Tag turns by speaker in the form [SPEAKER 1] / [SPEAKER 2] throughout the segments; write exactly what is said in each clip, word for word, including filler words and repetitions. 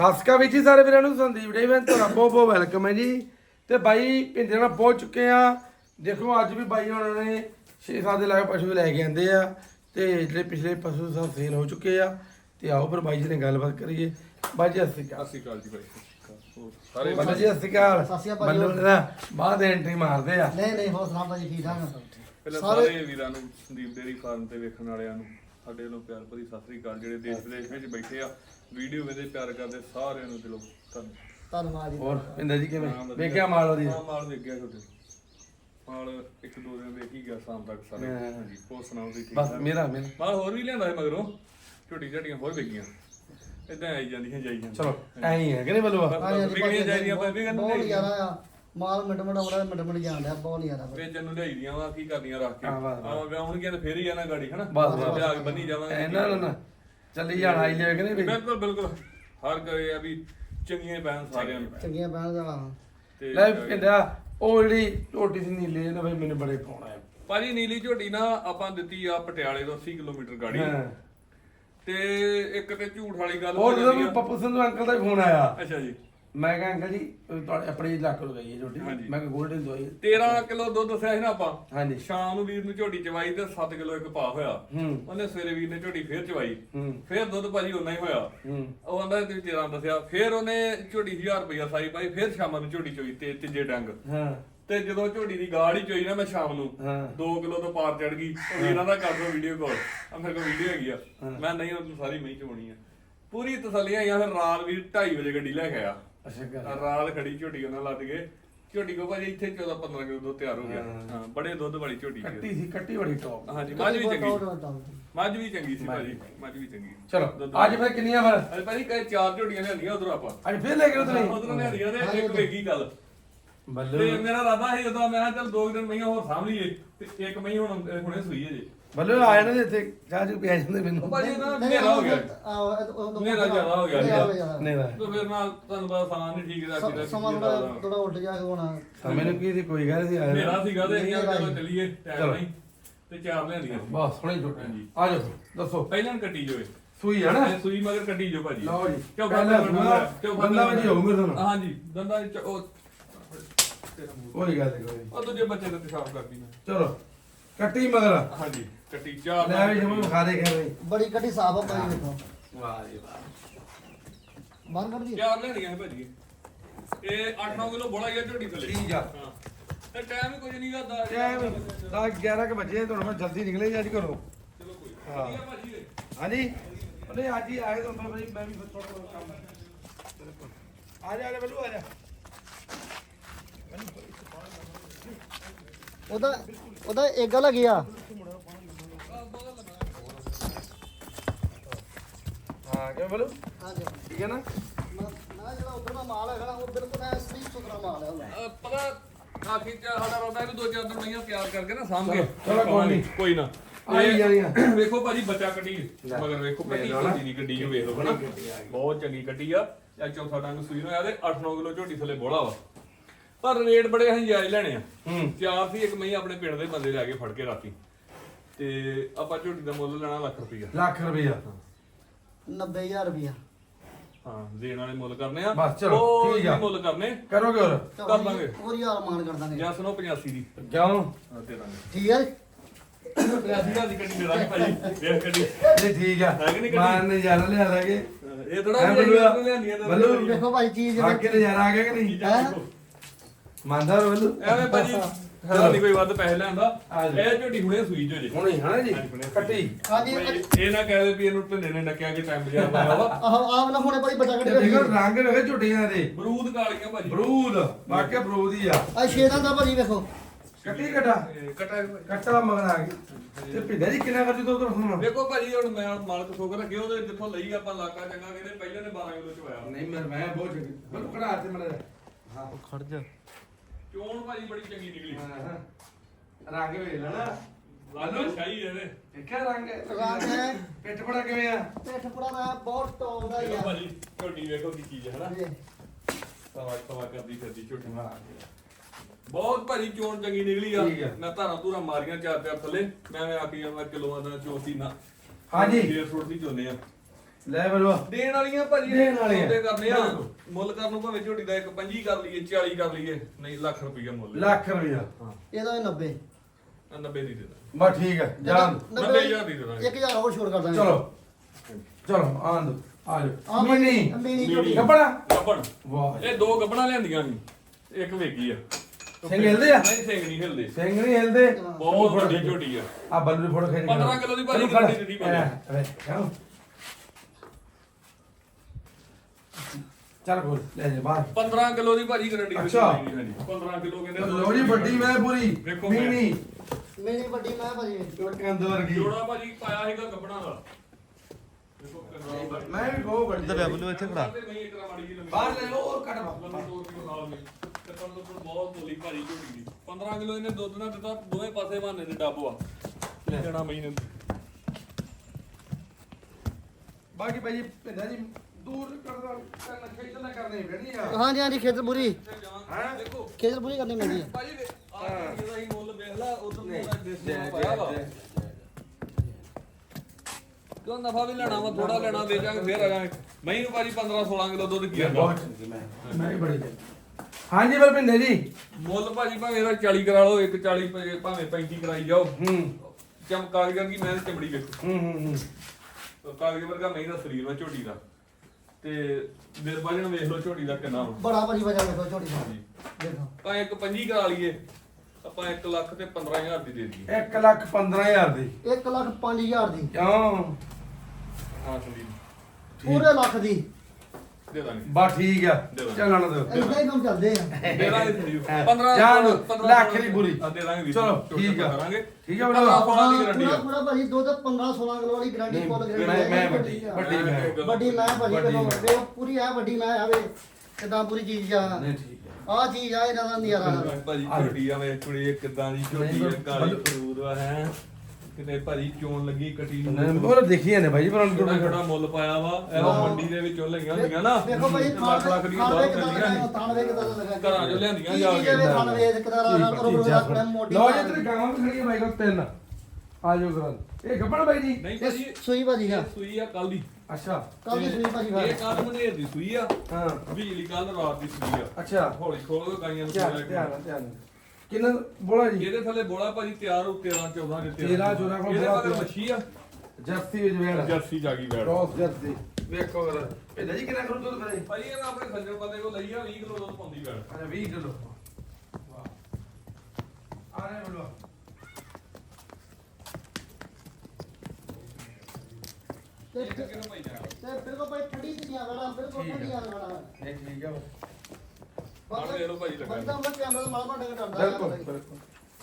[SPEAKER 1] ਸਸਕਾ ਵਿੱਚ ਹੀ ਸਾਰੇ ਵੀਰਾਂ ਨੂੰ ਸੰਦੀਪ ਡੇ ਮੈਂ ਤੁਹਾਡਾ ਬਹੁਤ ਬਹੁਤ ਵੈਲਕਮ ਹੈ ਜੀ। ਤੇ ਬਾਈ ਭਿੰਦੇ ਨਾਲ ਪਹੁੰਚ ਚੁੱਕੇ ਆ। ਦੇਖੋ ਅੱਜ ਵੀ ਬਾਈ ਉਹਨਾਂ ਨੇ ਛੇ ਸੱਤ ਦੇ ਲਾਗੇ ਪਸ਼ੂ ਲੈ ਕੇ ਆਂਦੇ ਆ ਤੇ ਜਿਹੜੇ ਪਿਛਲੇ ਪਸ਼ੂ ਸਭ ਸੇਲ ਹੋ ਚੁੱਕੇ ਆ। ਤੇ ਆਓ ਫਿਰ ਬਾਈ ਜੀ ਨੇ ਗੱਲਬਾਤ ਕਰੀਏ। ਬਾਈ ਜੀ ਸਤਿ ਸ਼੍ਰੀ ਅਕਾਲ।
[SPEAKER 2] ਸਤਿ ਸ਼੍ਰੀ ਅਕਾਲ ਜੀ ਬਾਈ। ਸਾਰੇ
[SPEAKER 1] ਬਾਈ ਜੀ ਸਤਿ ਸ਼੍ਰੀ ਅਕਾਲ।
[SPEAKER 3] ਸਤਿ ਸ਼੍ਰੀ ਅਕਾਲ
[SPEAKER 1] ਬੱਲੂ ਦਾ ਬਾਅਦ ਐਂਟਰੀ ਮਾਰਦੇ ਆ।
[SPEAKER 3] ਨਹੀਂ ਨਹੀਂ ਹੋਰ ਸੁਣਾ ਭਾਜੀ ਠੀਕ ਠਾਕ
[SPEAKER 2] ਪਹਿਲਾਂ ਸਾਰੇ ਵੀਰਾਂ ਨੂੰ ਸੰਦੀਪ ਡੇਅਰੀ ਫਾਰਮ ਤੇ ਵੇਖਣ ਵਾਲਿਆਂ ਨੂੰ ਸਾਡੇ ਵੱਲੋਂ ਪਿਆਰ ਭਰੀ ਸਤਿ ਸ਼੍ਰੀ ਅਕਾਲ। ਜਿਹੜੇ ਦੇਸ਼ ਵਿਦੇਸ਼ ਵਿੱਚ ਬੈਠੇ ਆ ਵੀਡੀਓ ਵੇਦੇ ਪਿਆਰ ਕਰਦੇ ਸਾਰਿਆਂ ਨੂੰ ਦਿਲੋਂ ਧੰਨਵਾਦ।
[SPEAKER 3] ਧੰਨਵਾਦ ਜੀ।
[SPEAKER 1] ਹੋਰ ਭਿੰਦਰ ਜੀ ਕਿਵੇਂ ਵੇਖਿਆ ਮਾਲ ਉਹਦੀ?
[SPEAKER 2] ਹਾਂ ਮਾਲ ਵੇਖ ਗਿਆ ਤੁਹਾਡੇ ਮਾਲ ਇੱਕ ਦੋ ਦਿਨ ਵੇਖ ਹੀ ਗਿਆ ਸ਼ਾਮ ਤੱਕ ਸਾਰੇ। ਹਾਂਜੀ ਹੋਰ ਸੁਣਾਓ ਤੁਸੀਂ ਠੀਕ
[SPEAKER 1] ਬਸ
[SPEAKER 2] ਠਾਕ?
[SPEAKER 1] ਮੇਰਾ ਮੇਰਾ
[SPEAKER 2] ਮਾਲ ਹੋਰ ਵੀ ਲਿਆਂਦਾ ਹੈ ਮਗਰੋਂ ਝੋਟੀ ਝਾਟੀਆਂ ਹੋਰ ਵੇਖੀਆਂ ਇਦਾਂ ਆਈ ਜਾਂਦੀਆਂ ਜਾਈ ਜਾਂਦੀਆਂ।
[SPEAKER 1] ਚਲੋ ਐਂ ਹੀ ਹੈ ਕਿ ਨਹੀਂ ਬੱਲੂ?
[SPEAKER 2] ਵਿਕਣੀਆਂ ਚਾਹੀਦੀਆਂ ਪਰ ਵੀ
[SPEAKER 3] ਬਹੁਤ
[SPEAKER 2] ਕਹਿੰਦੇ
[SPEAKER 3] ਜ਼ਿਆਦਾ ਆ ਮਾਲ ਮਿੰਟ ਮਿੰਟ ਆਉਣਾ ਮਿੰਟ ਮਿੰਟ ਜਾਣ ਡਿਆ ਬਹੁਤ ਜ਼ਿਆਦਾ
[SPEAKER 2] ਵੇਚਣ ਨੂੰ ਲਿਆਈ ਦੀਆਂ ਵਾ ਕੀ ਕਰਦੀਆਂ ਰੱਖ ਕੇ
[SPEAKER 1] ਹਾਂ, ਬਸ,
[SPEAKER 2] ਆ ਵਿਆਹੁਣਗੀਆਂ ਤੇ ਫੇਰ ਹੀ ਆ ਨਾ ਗਾੜੀ ਹਨਾ
[SPEAKER 1] ਬਸ, ਬਸ।
[SPEAKER 2] ਲਿਆ ਕੇ ਬੰਨੀ ਜਾਵਾਂਗੇ
[SPEAKER 1] ਇਹਨਾਂ ਨੂੰ ਨਾ ਚੱਲੀ ਜਾਣਾ ਆਈ ਲੈ ਕਿ ਨਹੀਂ ਵੀ?
[SPEAKER 2] ਬਿਲਕੁਲ ਬਿਲਕੁਲ ਹਰ ਕਰੇ ਆ ਵੀ ਚੰਗੀਆਂ ਪੈਣ ਸਾਰਿਆਂ ਨੂੰ
[SPEAKER 3] ਚੰਗੀਆਂ ਪੈਣ ਦਾ
[SPEAKER 2] ਤੇ
[SPEAKER 1] ਲੈ ਭਿੰਦਾ ਉਹ ਜਿਹੜੀ ਝੋਟੀ ਸੀ ਨੀਲੇ ਨਾ ਬਈ ਮੈਨੂੰ ਬੜੇ ਫੋਨ ਆਇਆ।
[SPEAKER 2] ਭਾਜੀ ਨੀਲੀ ਝੋਟੀ ਨਾ ਆਪਾਂ ਦਿੱਤੀ ਆ ਪਟਿਆਲੇ ਤੋਂ ਅੱਸੀ ਕਿਲੋਮੀਟਰ ਗਾੜੀ
[SPEAKER 1] ਹਾਂ।
[SPEAKER 2] ਤੇ ਇੱਕ ਤੇ ਝੂਠ ਵਾਲੀ ਗੱਲ
[SPEAKER 1] ਹੋਰ
[SPEAKER 2] ਹੋ
[SPEAKER 1] ਜਦੋਂ
[SPEAKER 2] ਜਾਂਦੀ
[SPEAKER 1] ਵੀ
[SPEAKER 2] ਆ।
[SPEAKER 1] ਪੱਪੂ ਸੰਧੂ ਅੰਕਲ ਦਾ ਫੋਨ ਆਇਆ।
[SPEAKER 2] ਅੱਛਾ ਜੀ
[SPEAKER 1] ਮੈਂ ਕਿਹਾ ਅੰਕਲ ਜੀ ਤੁਹਾਡੇ ਆਪਣੇ ਇਲਾਕੇ ਨੂੰ ਗਈ ਹੈ ਝੋਟੀ।
[SPEAKER 2] ਹਾਂਜੀ।
[SPEAKER 1] ਮੈਂ ਕਿਹਾ ਗੋਲਡਨ ਦਵਾਈ।
[SPEAKER 2] ਤੇਰਾਂ ਕਿਲੋ ਦੁੱਧ ਦੱਸਿਆ ਸੀ ਨਾ ਆਪਾਂ
[SPEAKER 1] ਹਾਂਜੀ।
[SPEAKER 2] ਸ਼ਾਮ ਨੂੰ ਵੀਰ ਨੂੰ ਝੋਟੀ ਚਵਾਈ ਤੇ ਸੱਤ ਕਿਲੋ ਇੱਕ ਪਾ ਹੋਇਆ।
[SPEAKER 1] ਹੂੰ
[SPEAKER 2] ਉਹਨੇ ਸਵੇਰੇ ਵੀਰ ਨੇ ਝੋਟੀ ਫੇਰ ਚਵਾਈ
[SPEAKER 1] ਹੂੰ
[SPEAKER 2] ਫੇਰ ਦੁੱਧ ਭਾਜੀ ਉਨਾ ਹੀ ਹੋਇਆ।
[SPEAKER 1] ਹੂੰ
[SPEAKER 2] ਉਹ ਆਂਦਾ ਤੁਸੀਂ ਤੇਰਾਂ ਦੱਸਿਆ ਫੇਰ ਉਹਨੇ ਝੋਟੀ ਹਜ਼ਾਰ ਰੁਪਇਆ ਸਾਈ ਪਾਈ ਫੇਰ ਸ਼ਾਮਾਂ ਨੂੰ ਝੋਟੀ ਚੋਈ ਤੇ ਤੀਜੇ ਡੰਗ
[SPEAKER 1] ਹਾਂ
[SPEAKER 2] ਤੇ ਜਦੋਂ ਝੋਟੀ ਦੀ ਗਾੜ ਹੀ ਚੋਈ ਨਾ ਮੈਂ ਸ਼ਾਮ ਨੂੰ
[SPEAKER 1] ਹਾਂ
[SPEAKER 2] ਦੋ ਕਿਲੋ ਤੋਂ ਪਾਰ ਚੜ ਗਈ ਉਹ ਵੀਰਾਂ ਦਾ ਕਰ ਦੋ ਵੀਡੀਓ ਕਾਲ ਆ ਮੇਰੇ ਕੋਲ ਵੀਡੀਓ ਹੈਗੀ ਆ ਮੈਂ ਨਹੀਂ ਉਹ ਸਾਰੀ ਮਹੀਂ ਚੋਣੀ ਆ ਪੂਰੀ ਤਸੱਲੀ ਆ ਫਿਰ ਰਾਤ ਵੀ ਢਾਈ ਵਜੇ ਗੱਡੀ ਲੈ ਕੇ ਆਇਆ
[SPEAKER 1] ਅੱਛਾ ਕਰ
[SPEAKER 2] ਰਾਤ ਖੜੀ ਝੋਟੀ ਉਹਨਾਂ ਲੱਦ ਗਏ ਝੋਟੀ ਕੋ ਭਾਜੀ ਇੱਥੇ ਚੌਦਾਂ ਪੰਦਰਾਂ ਕਿਲੋ ਦੁੱਧ ਤਿਆਰ ਹੋ ਗਿਆ ਹਾਂ ਬੜੇ ਦੁੱਧ ਵਾਲੀ ਝੋਟੀ ਸੀ
[SPEAKER 1] ਕੱਟੀ ਸੀ ਕੱਟੀ ਬੜੀ ਟੌਪ।
[SPEAKER 2] ਹਾਂਜੀ ਮੱਝ ਵੀ ਚੰਗੀ ਮੱਝ ਵੀ ਚੰਗੀ ਸੀ ਭਾਜੀ ਮੱਝ ਵੀ ਚੰਗੀ
[SPEAKER 1] ਚਲੋ ਅੱਜ ਫਿਰ ਕਿੰਨੀਆਂ ਫਿਰ?
[SPEAKER 2] ਅਰੇ ਭਾਜੀ ਕਹੇ ਚਾਰ ਝੋਟੀਆਂ ਲਿਆਂਦੀਆਂ ਉਧਰੋਂ ਆਪਾਂ
[SPEAKER 1] ਅੱਜ ਫਿਰ ਲੈ ਕੇ ਉਤਰੇ
[SPEAKER 2] ਉਧਰੋਂ ਲਿਆਂਦੀਆਂ ਤੇ ਇੱਕ ਵੇਗੀ ਗੱਲ
[SPEAKER 1] ਬੱਲੂ।
[SPEAKER 2] ਤੇ ਮੇਰਾ ਰਾਦਾ ਸੀ ਉਦੋਂ ਮੈਂ ਕਿਹਾ ਚੱਲ ਦੋ ਕੁ ਦਿਨ ਮਹੀਆਂ ਹੋਰ ਸਾਂਭ ਲਈਏ ਤੇ ਇੱਕ ਮਹੀਂ ਹੁਣ ਹੁਣੇ ਸੂਈ ਹੈ ਜੀ
[SPEAKER 1] ਬੱਲੂ ਆ ਜਾਣੇ ਨੇ ਇੱਥੇ ਚਾਹ ਚੂ ਪਿਆ ਜਾਂਦੇ ਮੈਨੂੰ।
[SPEAKER 2] ਭਾਜੀ ਉਹਦਾ ਹਨੇਰਾ ਹੋ ਗਿਆ ਹਨੇਰਾ ਜ਼ਿਆਦਾ ਹੋ ਗਿਆ ਜੀ
[SPEAKER 1] ਨਹੀਂ ਦਾ
[SPEAKER 2] ਤੇ ਫਿਰ ਨਾਲ ਤੁਹਾਨੂੰ ਪਤਾ ਸਾਂ ਨਹੀਂ ਠੀਕ ਰੱਖੀ ਦਾ
[SPEAKER 3] ਸਮਾਂ ਥੋੜਾ ਥੋੜਾ ਉਲਟ ਜਾ ਕੇ ਹੋਣਾ
[SPEAKER 1] ਮੈਨੂੰ ਕੀ ਸੀ ਕੋਈ ਗੱਲ ਸੀ ਆ
[SPEAKER 2] ਹਨੇਰਾ ਸੀਗਾ ਤੇ ਅਸੀਂ ਆਪ ਚਲੋ ਚੱਲੀਏ ਟਾਈਮ ਨਹੀਂ ਤੇ ਚਾਰ ਲਿਆਂਦੀਆਂ
[SPEAKER 1] ਬਸ ਹੁਣੇ ਜੁਟ
[SPEAKER 2] ਹਾਂਜੀ।
[SPEAKER 1] ਆ ਜਾਓ ਦੱਸੋ
[SPEAKER 2] ਪਹਿਲਾਂ ਕੱਟੀ ਜੋਏ
[SPEAKER 1] ਸੂਈ ਹੈ ਨਾ?
[SPEAKER 2] ਇਹ ਸੂਈ ਮਗਰ ਕੱਟੀ ਜੋ ਭਾਜੀ
[SPEAKER 1] ਲਓ ਜੀ
[SPEAKER 2] ਚੌਥਾ
[SPEAKER 1] ਪਹਿਲਾਂ
[SPEAKER 2] ਬੰਦਾ
[SPEAKER 1] ਸੂਆ ਬੰਦਾ ਵਜੀ ਹੋਊਗਾ ਤੁਹਾਨੂੰ।
[SPEAKER 2] ਹਾਂਜੀ ਦੰਦਾ ਚ ਉਹ
[SPEAKER 1] ਕੋਈ ਗੱਲ ਨਹੀਂ ਕੋਈ ਨੀ।
[SPEAKER 2] ਉਹ ਦੂਜੇ ਬੱਚੇ ਦਾ ਪਿਸ਼ਾਬ ਕਰਦੀ ਮੈਂ
[SPEAKER 1] ਚਲੋ ਕੱਟੀ ਮਗਰ
[SPEAKER 2] ਹਾਂਜੀ ਕੱਟੀ ਚਾਰ
[SPEAKER 1] ਲੈ ਵੀ ਜਮੂ ਖਾ ਦੇ ਕਰ ਰਹੀ।
[SPEAKER 3] ਬੜੀ ਕੱਟੀ ਸਾਫ ਆ ਭਾਈ ਦੇਖੋ
[SPEAKER 1] ਵਾਹ ਜੀ ਵਾਹ
[SPEAKER 3] ਬੰਦ ਕਰ ਦੀ
[SPEAKER 2] ਚਾਰ ਲੈਣੀਆਂ ਹੈ ਭਾਜੀ ਇਹ ਅੱਠ ਨੌ ਕਿਲੋ ਬੋਲਾ ਗਿਆ ਝੋਟੀ ਥੱਲੇ
[SPEAKER 1] ਠੀਕ ਆ।
[SPEAKER 2] ਹਾਂ ਤੇ ਟਾਈਮ ਹੀ ਕੁਝ ਨਹੀਂ ਕਰਦਾ
[SPEAKER 1] ਟਾਈਮ ਦਸ ਗਿਆਰਾਂ ਕੇ ਵਜੇ ਤੁਹਾਨੂੰ ਮੈਂ ਜਲਦੀ ਨਿਕਲੇ ਜੀ ਅੱਜ ਘਰੋਂ।
[SPEAKER 2] ਚਲੋ ਕੋਈ
[SPEAKER 1] ਹਾਂ।
[SPEAKER 2] ਵਧੀਆ ਭਾਜੀ ਇਹ।
[SPEAKER 1] ਹਾਂਜੀ ਉਹਨੇ ਅੱਜ ਹੀ ਆਏ ਤਾਂ ਮੈਂ ਮੈਂ ਵੀ ਥੋੜਾ ਥੋੜਾ ਕੰਮ ਹੈ। ਆ ਜਾ ਆ ਜਾ ਬੱਲੂ ਆ ਜਾ।
[SPEAKER 3] ਉਹਦਾ ਉਹਦਾ ਇੱਕ ਗੱਲ ਹੈਗੀ ਆ
[SPEAKER 1] ਹਾਂ ਕਿਵੇਂ ਬੱਲੂ
[SPEAKER 3] ਹਾਂਜੀ
[SPEAKER 1] ਠੀਕ ਹੈ ਨਾ?
[SPEAKER 3] ਨਾ ਜਿਹੜਾ ਉਧਰ ਦਾ ਮਾਲ ਹੈਗਾ ਨਾ ਉਹ ਬਿਲਕੁਲ ਐ ਸਹੀ ਸੁਥਰਾ ਮਾਲ ਹੈ ਉਹਦਾ
[SPEAKER 2] ਅਹ ਪਤਾ ਆਖੀ ਚ ਸਾਡਾ ਰੋਦਾ ਇਹਨੂੰ ਦੋ ਚਾਰ ਦਿਨ ਮਹੀਆਂ ਤਿਆਰ ਕਰਕੇ ਨਾ ਸਾਂਭ ਕੇ
[SPEAKER 1] ਚਲੋ ਕੋਈ ਨੀ।
[SPEAKER 2] ਕੋਈ ਨਾ
[SPEAKER 1] ਆਈ ਜਾਣੀਆਂ।
[SPEAKER 2] ਵੇਖੋ ਭਾਜੀ ਬੱਚਾ ਕੱਟੀ ਮਗਰ ਵੇਖੋ ਕੱਟੀ ਝੋਟੀ ਦੀ ਗੱਡੀ ਨੂੰ ਵੇਖ ਲਓ ਹਨਾ ਬਹੁਤ ਚੰਗੀ ਕੱਟੀ ਆ ਜਾਂ ਚੌਥਾ ਡੰਗ ਸੂਈ ਨੂੰ ਆ ਤੇ ਅੱਠ ਨੌ ਕਿਲੋ ਝੋਟੀ ਥੱਲੇ ਬੋਲਾ ਵਾ ਪਰ ਰੇਟ ਬੜੇ ਅਸੀਂ ਜਾਇਜ਼ ਲੈਣੇ ਆ
[SPEAKER 1] ਹੂੰ
[SPEAKER 2] ਚਾਰ ਸੀ ਇੱਕ ਮਹੀਂ ਆਪਣੇ ਪਿੰਡ ਦੇ ਬੰਦੇ ਲੈ ਕੇ ਫੜ ਕੇ ਰਾਤੀ ਤੇ ਆਪਾਂ ਝੋਟੀ ਦਾ ਮੁੱਲ ਲੈਣਾ ਲੱਖ ਰੁਪਈਆ
[SPEAKER 1] ਲੱਖ ਰੁਪਈਆ
[SPEAKER 3] ਨੱਬੇ ਹਜ਼ਾਰ ਰੁਪਇਆ
[SPEAKER 2] ਹਾਂ ਦੇਣ ਵਾਲੇ ਮੁੱਲ ਕਰਨੇ ਆ
[SPEAKER 1] ਬਸ ਚਲੋ,
[SPEAKER 2] ਉਹ
[SPEAKER 1] ਠੀਕ ਆ।
[SPEAKER 2] ਮੁੱਲ ਕਰਨੇ
[SPEAKER 1] ਕਰੋਗੇ ਹੋਰ
[SPEAKER 2] ਕਰ ਦਾਂਗੇ
[SPEAKER 3] ਹੋਰ ਯਾਰ ਮਾਨ ਕਰ ਦਾਂਗੇ
[SPEAKER 2] ਜਾਂ ਸੁਣੋ ਪਚਾਸੀ ਦੀ
[SPEAKER 1] ਕਿਉਂ?
[SPEAKER 2] ਹਾਂ ਦੇ ਦਾਂਗੇ
[SPEAKER 3] ਠੀਕ ਹੈ
[SPEAKER 2] ਪਚਾਸੀ ਦਾ ਦੀ ਕੱਟੀ ਦੇ ਦਾਂਗੇ ਭਾਜੀ ਵੇਖ ਕੱਟੀ
[SPEAKER 1] ਇਹ ਠੀਕ ਆ
[SPEAKER 2] ਹੈ ਕਿ ਨਹੀਂ ਗੱਡੀ?
[SPEAKER 1] ਮਾਨ ਨਜ਼ਾਰਾ ਲਿਆ ਦਾਂਗੇ।
[SPEAKER 2] ਇਹ ਥੋੜਾ
[SPEAKER 1] ਹੈਂ ਬੱਲੂ ਆ?
[SPEAKER 2] ਲਿਆਂਦੀਆਂ ਤਾਂ
[SPEAKER 1] ਬੱਲੂ
[SPEAKER 3] ਵੇਖੋ ਭਾਈ ਚੀਜ਼
[SPEAKER 1] ਬਾਕੀ ਨਜ਼ਾਰਾ ਆ ਗਿਆ ਕਿ ਨਹੀਂ?
[SPEAKER 3] ਹੈਂ?
[SPEAKER 1] ਮੰਨਦਾ ਬੱਲੂ?
[SPEAKER 2] ਐਵੇਂ ਭਾਜੀ ਹਾਂ ਨਹੀਂ ਕੋਈ ਵੱਧ ਪੈਸੇ ਲੈਂਦਾ
[SPEAKER 1] ਆ ਜੀ।
[SPEAKER 2] ਇਹ ਝੋਟੀ ਹੁਣੇ ਸੂਈ ਜੋ ਜੀ
[SPEAKER 1] ਹੁਣੇ ਹਨਾ ਜੀ ਕੱਟੀ
[SPEAKER 3] ਹਾਂਜੀ
[SPEAKER 2] ਇਹ ਨਾ ਕਹਦੇ ਵੀ ਇਹਨੂੰ ਢਿੱਲੇ ਨੇ ਡੱਕਿਆ ਕਿ ਟਾਈਮ ਬਜਾ ਪਾਇਆ ਵਾ
[SPEAKER 3] ਆਹ ਆਹ ਨਾ ਹੁਣੇ ਭਾਈ ਬੱਚਾ ਕੱਢ
[SPEAKER 1] ਤੇ ਦੇਖੋ
[SPEAKER 3] ਕੇ
[SPEAKER 1] ਰੰਗ ਵੇਖੋ ਝੁੱਟੀਆਂ ਦੇ
[SPEAKER 2] ਬਰੂਦ ਕਾਲੀਆਂ ਭਾਜੀ
[SPEAKER 1] ਬਰੂਦ ਵਾਕਿਆ ਬਰੂਦ ਹੀ ਆ।
[SPEAKER 3] ਆ ਸ਼ੇਰਾਂ ਦਾ ਭਾਜੀ ਵੇਖੋ
[SPEAKER 1] ਕੱਟੀ ਕਟਾ
[SPEAKER 2] ਇਹ ਕਟਾ
[SPEAKER 1] ਕੱਟਾ ਮਗਰ ਆ ਗਈ ਤੇ ਭਿੰਦਾ ਜੀ ਕਿੰਨਾ ਖਰਚ ਦੋ ਤੁਹਾਨੂੰ?
[SPEAKER 2] ਵੇਖੋ ਭਾਜੀ ਹੁਣ ਮੈਂ ਮਾਲਕ ਸੋਕ ਰੱਖੇ ਉਹਦੇ ਜਿੱਥੋਂ ਲਈ ਆਪਾਂ ਲਾਕਾ ਚੰਗਾ ਕਹਿੰਦੇ ਪਹਿਲਾਂ ਨੇ ਬਾਰਾਂ ਕਿਲੋ ਚਵਾਇਆ
[SPEAKER 1] ਨਹੀਂ ਮੈਂ ਮੈਂ ਬਹੁਤ ਚੰਗੀ ਬੱਲੂ ਕਢਾ ਤੇ ਮੜਾ ਹਾਂ
[SPEAKER 3] ਖੜ ਜਾ
[SPEAKER 2] ਚੋਣ ਭਾਜੀ ਬੜੀ ਚੰਗੀ ਨਿਕਲੀ
[SPEAKER 1] ਹਾਂ ਰੰਗ ਵੇਖ ਲੈਣਾ
[SPEAKER 2] ਲਾਲੋ ਸ਼ਾਹੀ ਇਹਦੇ
[SPEAKER 1] ਦੇਖਿਆ ਰੰਗ
[SPEAKER 3] ਰੰਗ ਹੈ।
[SPEAKER 1] ਪਿੱਠ ਬੜਾ ਕਿਵੇਂ ਆ?
[SPEAKER 3] ਪੇਟ ਪੂਰਾ ਦਾ ਬਹੁਤ ਟੌਪ ਦਾ
[SPEAKER 2] ਵੇਖੋ
[SPEAKER 3] ਯਾਰ
[SPEAKER 2] ਭਾਜੀ ਝੋਟੀ ਵੇਖੋ ਕੀ ਚੀਜ਼ ਹੈ ਹਨਾ
[SPEAKER 3] ਜੀ।
[SPEAKER 2] ਤਵਾ ਤਵਾ ਕਰਦੀ ਫਿਰਦੀ ਝੋਟੀ ਬਹੁਤ ਭਾਜੀ ਚੋਣ ਚੰਗੀ ਨਿਕਲੀ ਆ
[SPEAKER 1] ਠੀਕ ਆ।
[SPEAKER 2] ਮੈਂ ਧਾਰਾਂ ਧੂਰਾਂ ਮਾਰੀਆਂ ਚਾਰ ਚਾਰ ਥੱਲੇ ਮੈਂ ਐਵੇਂ ਆਖੀ ਜਾਂਦਾ ਕਿਲੋਆਂ ਦਾ ਚੋਤੀ ਨਾ
[SPEAKER 1] ਹਾਂਜੀ।
[SPEAKER 2] ਡੇਢ ਸੌ ਦੀ ਚੋਨੇ ਆ
[SPEAKER 1] ਲੈ ਬਲਵਾ
[SPEAKER 2] ਦੇਣ ਵਾਲੀਆਂ ਭਾਜੀ
[SPEAKER 1] ਦੇਣ ਵਾਲੀਆਂ।
[SPEAKER 2] ਸੌਦੇ ਕਰਨੇ ਆ ਮੁੱਲ ਕਰਨ ਨੂੰ ਭਾਵੇਂ ਝੋਟੀ ਦਾ ਇੱਕ ਪੰਜੀ ਕਰ ਲਈਏ ਚਾਲੀ ਕਰ ਲਈਏ ਨਹੀਂ ਲੱਖ ਰੁਪਈਆ ਮੁੱਲ
[SPEAKER 1] ਲੱਖ ਰੁਪਇਆ
[SPEAKER 2] ਹਾਂ
[SPEAKER 3] ਇਹਦਾ ਵੀ ਨੱਬੇ
[SPEAKER 2] ਨੱਬੇ ਦੀ ਦੇ ਦਾਂ
[SPEAKER 1] ਬਸ ਠੀਕ ਹੈ ਜਾਨ
[SPEAKER 2] ਨੱਬੇ ਹਜ਼ਾਰ ਦੀ ਦੇ ਦਾਂਗੇ
[SPEAKER 3] ਇੱਕ ਹਜ਼ਾਰ ਹੋਰ ਛੋੜ ਕਰ ਦਾਂਗੇ
[SPEAKER 1] ਚਲੋ ਚਲੋ ਆਂਦ ਆ
[SPEAKER 3] ਆਹ
[SPEAKER 1] ਜਾਓ ਮਿੰਨੀ
[SPEAKER 3] ਮੀਨੀ ਝੋਟੀ
[SPEAKER 1] ਕੱਪੜਾ
[SPEAKER 2] ਗੱਬਣ
[SPEAKER 1] ਵਾਹ
[SPEAKER 2] ਇਹ ਦੋ ਗੱਬਣਾ ਲਿਆਂਦੀਆਂ ਸੀ ਇੱਕ ਵੇਗੀ ਆ
[SPEAKER 1] ਸਿੰਘ ਹਿਲਦੇ ਆ?
[SPEAKER 2] ਨਹੀਂ ਸਿੰਘ ਨਹੀਂ ਹਿਲਦੇ
[SPEAKER 1] ਸਿੰਘ ਨਹੀਂ ਹਿਲਦੇ
[SPEAKER 2] ਬਹੁਤ ਵੱਡੀ ਝੋਟੀ ਆ
[SPEAKER 1] ਆ ਬੱਲੂ ਦੀ ਫੋਟੋ ਖੇਚ
[SPEAKER 2] ਪੰਦਰਾਂ ਕਿਲੋ ਦੀ ਭਾਜੀ ਗਰੰਟੀ ਦਿੱਤੀ ਭਾਜੀ।
[SPEAKER 1] ਚੱਲ ਬੋਲ ਲੈ ਜਾ ਬਾਹਰ
[SPEAKER 2] ਪੰਦਰਾਂ ਕਿਲੋ ਦੀ ਭਾਜੀ ਗਰੰਟੀ ਦਿੱਤੀ
[SPEAKER 1] ਅੱਛਾ।
[SPEAKER 2] ਹਾਂਜੀ ਪੰਦਰਾਂ ਕਿਲੋ ਕਹਿੰਦੇ
[SPEAKER 1] ਲੋ ਜੀ ਵੱਡੀ ਮੈਂ ਪੂਰੀ
[SPEAKER 2] ਵੇਖੋ ਮੈਂ।
[SPEAKER 1] ਮਿੰਨੀ
[SPEAKER 3] ਮੀਨੀ ਵੱਡੀ ਮੈਂ ਭਾਜੀ
[SPEAKER 1] ਕੰਦ ਵਰਗੀ
[SPEAKER 2] ਜੋੜਾ ਭਾਜੀ ਪਾਇਆ ਸੀਗਾ ਗੱਬਣਾ ਦਾ ਦੇਖੋ ਕਿੰਨਾ
[SPEAKER 1] ਮੈਂ ਵੀ ਬਹੁਤ ਵੱਡੀ
[SPEAKER 4] ਤੇ ਬੱਲੂ ਇੱਥੇ ਖੜਾ
[SPEAKER 2] ਤੇ ਨਹੀਂ ਇਤਰਾ ਮਾੜੀ ਜਿਹੀ ਲੰਮੀ
[SPEAKER 1] ਬਾਹਰ ਲੈ ਲਓ ਹੋਰ ਕੱਟ
[SPEAKER 2] ਲੰਮੀ
[SPEAKER 1] ਵਾ
[SPEAKER 2] ਤੋਰ ਕੇ ਨਾਲ ਨਹੀਂ ਤੇ ਤੁਹਾਨੂੰ ਤਾਂ ਬਹੁਤ ਬੋਲੀ ਭਾਜੀ ਝੋਟੀ ਦੀ ਪੰਦਰਾਂ ਕਿਲੋ ਇਹਨੇ ਦੁੱਧ ਨਾ ਦਿੱਤਾ ਦੋਵੇਂ ਪਾਸੇ ਬਹਾਨੇ ਦੇ ਡੱਬ ਆ ਲੈ ਜਾਣਾ ਮਈ ਨੇ
[SPEAKER 1] ਬਾਕੀ ਭਾਈ ਜੀ ਭਿੰਦਾ ਜੀ ਦੂਰ ਕਰਦਾ ਕਰਨਾ ਖੇਚਲ ਨਾ ਕਰਨੀ ਪੈਣੀ ਆ
[SPEAKER 3] ਹਾਂਜੀ ਹਾਂਜੀ ਖੇਤਰ ਪੂਰੀ
[SPEAKER 2] ਹਾਂ ਦੇਖੋ
[SPEAKER 3] ਖੇਤਰ ਪੂਰੀ ਕਰਨੀ ਪੈਂਦੀ ਹੈ
[SPEAKER 2] ਭਾਜੀ ਵੇ ਆ ਜਿਹਦਾ ਹੀ ਮੁੱਲ ਵੇਖ ਲਾ ਉਧਰ ਪੂਰਾ ਦੇਸੀ ਮਾਲ ਪਾਇਆ ਵਾ ਕਿਉਂ ਨਫਾ ਵੀ ਲੈਣਾ ਵਾ ਥੋੜਾ ਲੈਣਾ ਦੇ ਜਾਾਂਗੇ ਫੇਰ ਆ ਜਾਾਂਗੇ ਮੈਂ ਨੂੰ ਭਾਜੀ ਪੰਦਰਾਂ ਸੋਲਾਂ ਕਿਲੋ ਦੁੱਧ ਕੀ ਆਂਦਾ
[SPEAKER 1] ਬਹੁਤ ਚੰਗੀ ਮੈਂ ਮੈਂ ਵੀ ਬੜੀ ਚੰਗੀ ਹਾਂਜੀ ਬਲਪਿੰਦਰ ਜੀ
[SPEAKER 2] ਮੁੱਲ ਭਾਜੀ ਭਾਵੇਂ ਇਹਦਾ ਚਾਲੀ ਕਰਾ ਲਓ ਇੱਕ ਚਾਲੀ ਭਾਵੇਂ ਭਾਵੇਂ ਪੈਂਤੀ ਕਰਾਈ ਜਾਓ
[SPEAKER 1] ਹੂੰ
[SPEAKER 2] ਚਮ ਕਾਗਜ਼ਰ ਕੀ ਮੈਂ ਚਮੜੀ ਵੇਖੋ
[SPEAKER 1] ਹੂੰ ਹੂੰ ਹੂੰ
[SPEAKER 2] ਕਾਗਜ਼ ਵਰਗਾ ਨਹੀਂ ਦਾ ਸਰੀਰ ਵਾ ਝੋਟੀ ਦਾ ਤੇ ਦਿਲ ਬਾਜਣ ਵੇਖ ਲਓ ਝੋਟੀ ਦਾ ਕਿੰਨਾ ਵਾ
[SPEAKER 3] ਬੜਾ ਭਾਜੀ ਵਜਾ ਵੇਖੋ ਝੋਟੀ ਦਾ
[SPEAKER 2] ਹਾਂਜੀ
[SPEAKER 3] ਦੇਖੋ
[SPEAKER 2] ਤਾਂ ਇੱਕ ਪੰਜੀ ਕਰਾ ਲਈਏ ਆਪਾਂ ਇੱਕ ਲੱਖ ਤੇ ਪੰਦਰਾਂ ਹਜ਼ਾਰ ਦੀ ਦੇ ਦਈਏ
[SPEAKER 1] ਇੱਕ ਲੱਖ ਪੰਦਰਾਂ ਹਜ਼ਾਰ ਦੀ
[SPEAKER 3] ਇੱਕ ਲੱਖ ਪੰਜ ਹਜ਼ਾਰ ਦੀ
[SPEAKER 1] ਕਿਉਂ
[SPEAKER 2] ਹਾਂ ਸੰਦੀਪ
[SPEAKER 3] ਪੂਰੇ ਲੱਖ ਦੀ
[SPEAKER 2] ਦੇ ਦਾਂਗੇ
[SPEAKER 1] ਬਾ ਠੀਕ ਆ
[SPEAKER 2] ਦੇ ਦਿਓ।
[SPEAKER 1] ਚੱਲਣ ਦਿਓ
[SPEAKER 3] ਏਦਾਂ ਹੀ ਕੰਮ ਚੱਲਦੇ ਆ
[SPEAKER 2] ਦੇ ਦਾਂਗੇ ਸੰਦੀਪ
[SPEAKER 1] ਹਾਂ।
[SPEAKER 2] ਪੰਦਰਾਂ
[SPEAKER 1] ਜਾਣ ਦਿਓ,
[SPEAKER 2] ਪੰਦਰਾਂ
[SPEAKER 1] ਲੱਖ ਦੀ ਪੂਰੀ।
[SPEAKER 2] ਆ ਦੇ ਦਾਂਗੇ ਵੀਰ
[SPEAKER 1] ਚਲੋ,
[SPEAKER 2] ਝੋਟੀ
[SPEAKER 1] ਠੀਕ ਆ।
[SPEAKER 2] ਆਪਾਂ ਕਰਾਂਗੇ
[SPEAKER 1] ਠੀਕ ਆ
[SPEAKER 2] ਪੰਦਰਾਂ
[SPEAKER 1] ਬਣਾ
[SPEAKER 2] ਸੋਲਾਂ ਦੀ ਗਾਰੰਟੀ
[SPEAKER 3] ਪੂਰਾ
[SPEAKER 2] ਆ
[SPEAKER 3] ਪੂਰਾ ਭਾਜੀ ਦੁੱਧ ਪੰਦਰਾਂ ਸੋਲਾਂ ਕਿਲੋ ਵਾਲੀ ਗਾਰੰਟੀ
[SPEAKER 1] ਨਹੀਂ,
[SPEAKER 3] ਫੁੱਲ
[SPEAKER 1] ਮੈਂ-
[SPEAKER 3] ਗਾਰੰਟੀ
[SPEAKER 1] ਮੈਂ ਵੱਡੀ ਵੱਡੀ ਮੈਂ
[SPEAKER 3] ਵੱਡੀ ਮੈਂ ਭਾਜੀ
[SPEAKER 1] ਵੱਡੀ
[SPEAKER 3] ਵੇਖੋ
[SPEAKER 1] ਮੈਂ।
[SPEAKER 3] ਵੇਖੋ ਪੂਰੀ ਆ ਵੱਡੀ ਮੈਂ ਆਵੇ ਕਿਦਾਂ ਪੂਰੀ ਚੀਜ਼ ਆ
[SPEAKER 1] ਨਹੀਂ ਠੀਕ ਆ
[SPEAKER 3] ਆ ਚੀਜ਼ ਆ ਇਹਨਾਂ ਦਾ ਨਜ਼ਾਰਾ
[SPEAKER 2] ਭਾਜੀ ਝੋਟੀ ਆ ਵੇ ਕੁੜੀ ਕਿਦਾਂ ਦੀ ਝੋਟੀ
[SPEAKER 1] ਨਹੀਂ,
[SPEAKER 2] ਆ ਕਾਲੀ
[SPEAKER 1] ਬੱਲੂ-
[SPEAKER 2] ਫਰੂਦ ਵਾ ਹੈ ਕਿਤੇ ਭਾਜੀ ਚੋਣ ਲੱਗੀ ਕਟੀ ਨੂੰ
[SPEAKER 1] ਨਹੀਂ ਉਹ ਦੇਖੀ ਜਾਂਦੇ ਭਾਈ ਪਰ
[SPEAKER 2] ਥੋੜਾ ਥੋੜਾ ਮੁੱਲ ਪਾਇਆ ਵਾ ਇਹ
[SPEAKER 3] ਹਾਂ।
[SPEAKER 2] ਮੰਡੀ ਦੇ ਵਿੱਚੋਂ ਲਈਆਂ ਹੁੰਦੀਆਂ ਨਾ
[SPEAKER 3] ਵੇਖੋ ਭਾਜੀ
[SPEAKER 2] ਤੇ ਲੱਖ ਲੱਖ ਦੀਆਂ ਬਾਹਰ ਪੈਂਦੀਆਂ ਨੇ
[SPEAKER 3] ਥਾਣ ਵੇ ਕਿਦਾਂ ਲੱਗਾ
[SPEAKER 2] ਘਰਾਂ ਚੋਂ ਲਿਆਂਦੀਆਂ ਜਾ
[SPEAKER 3] ਜਾ
[SPEAKER 2] ਕੇ
[SPEAKER 3] ਕੇ ਥਾਣ ਵੇ ਕਿਦਾਂ ਰਾ ਕਰੋ ਬਰੋ ਮੋਟੀ
[SPEAKER 1] ਲੋ ਜੀ ਤੇ ਗਾਵਾਂ ਵੀ ਖੜੀਆਂ ਬਾਈ ਕੋਲ ਤਿੰਨ ਆ ਜਾਓ ਕਰਾਂ ਇਹ ਗੱਪਣ ਬਾਈ ਜੀ
[SPEAKER 2] ਨਹੀਂ ਭਾਜੀ
[SPEAKER 3] ਸੂਈ ਭਾਜੀ ਆ
[SPEAKER 2] ਸੂਈ ਆ ਕੱਲ ਦੀ
[SPEAKER 1] ਅੱਛਾ
[SPEAKER 3] ਕੱਲ ਦੀ ਸੂਈ ਭਾਜੀ
[SPEAKER 2] ਇਹ ਕੱਲ ਮਨੇਰ ਦੀ ਸੂਈ ਆ
[SPEAKER 1] ਹਾਂ
[SPEAKER 2] ਬਿਜਲੀ ਕੱਲ ਰਾਤ ਦੀ ਸੂਈ ਆ
[SPEAKER 1] ਅੱਛਾ
[SPEAKER 2] ਹੌਲੀ ਖੋਲ ਕੇ ਗਾਈਆਂ ਨੂੰ
[SPEAKER 1] ਧਿਆਨ
[SPEAKER 2] ਸੂਈ
[SPEAKER 1] ਧਿਆਨ ਨਾਲ, ਧਿਆਨ ਨਾਲ। ਕਿੰਨਾ ਬੋਲਾ ਜੀ
[SPEAKER 2] ਇਹਦੇ ਥੱਲੇ ਬੋਲਾ ਭਾਜੀ ਤਿਆਰ ਹੋ ਤੇਰਾਂ ਚੌਦਾਂ ਦੇ
[SPEAKER 1] ਤੇਰਾਂ, ਚੌਦਾਂ ਕੋਲ
[SPEAKER 2] ਇਹਦੇ
[SPEAKER 1] ਬੋਲਾ
[SPEAKER 2] ਮਗਰ
[SPEAKER 1] ਤਿਆਰ।
[SPEAKER 2] ਮੱਛੀ ਆ
[SPEAKER 1] ਜਰਸੀ ਵਿੱਚ ਵੇਖ
[SPEAKER 2] ਜਰਸੀ ਜਾਗੀ ਬੈਠ
[SPEAKER 1] ਕ੍ਰੋਸ ਜਰਸੀ ਵੇਖੋ ਕਰ ਭੇਜਾ ਜੀ ਕਿੰਨਾ ਕਰੂ ਦੁੱਧ ਮੇਰੇ
[SPEAKER 2] ਭਾਜੀ ਇਹ ਮੈਂ ਆਪਣੇ ਸੱਜਣ ਬੰਦੇ ਕੋਲ ਲਈ ਆ ਵੀਹ ਕਿਲੋ ਦੁੱਧ ਪਾਉਂਦੀ ਬੈਠ
[SPEAKER 1] ਅੱਛਾ ਵੀਹ ਕਿਲੋ ਵਾਹ ਆ ਰਹੇ ਬੋਲੋ
[SPEAKER 3] ਤੇ
[SPEAKER 2] ਇਹ ਕਿਹਨੂੰ ਭਾਈ ਜਾਣਾ
[SPEAKER 3] ਤੇ ਬਿਲਕੁਲ ਭਾਈ ਠੰਡੀ ਨਹੀਂ ਆ ਵਾਲਾ ਬਿਲਕੁਲ
[SPEAKER 1] ਠੀਕ ਆ।
[SPEAKER 3] ਠੰਡੀ ਆ ਵਾਲਾ
[SPEAKER 1] ਨਹੀਂ ਠੀਕ ਆ
[SPEAKER 2] ਆਹ ਵੇਖ ਲਓ ਭਾਜੀ ਲੱਗਾ
[SPEAKER 3] ਬੰਦਾ ਮੈਂ ਕੈਮਰਾ ਮਾਲ ਮਾਲ ਡੰਗ ਡਰਦਾ
[SPEAKER 1] ਬਿਲਕੁਲ ਬਿਲਕੁਲ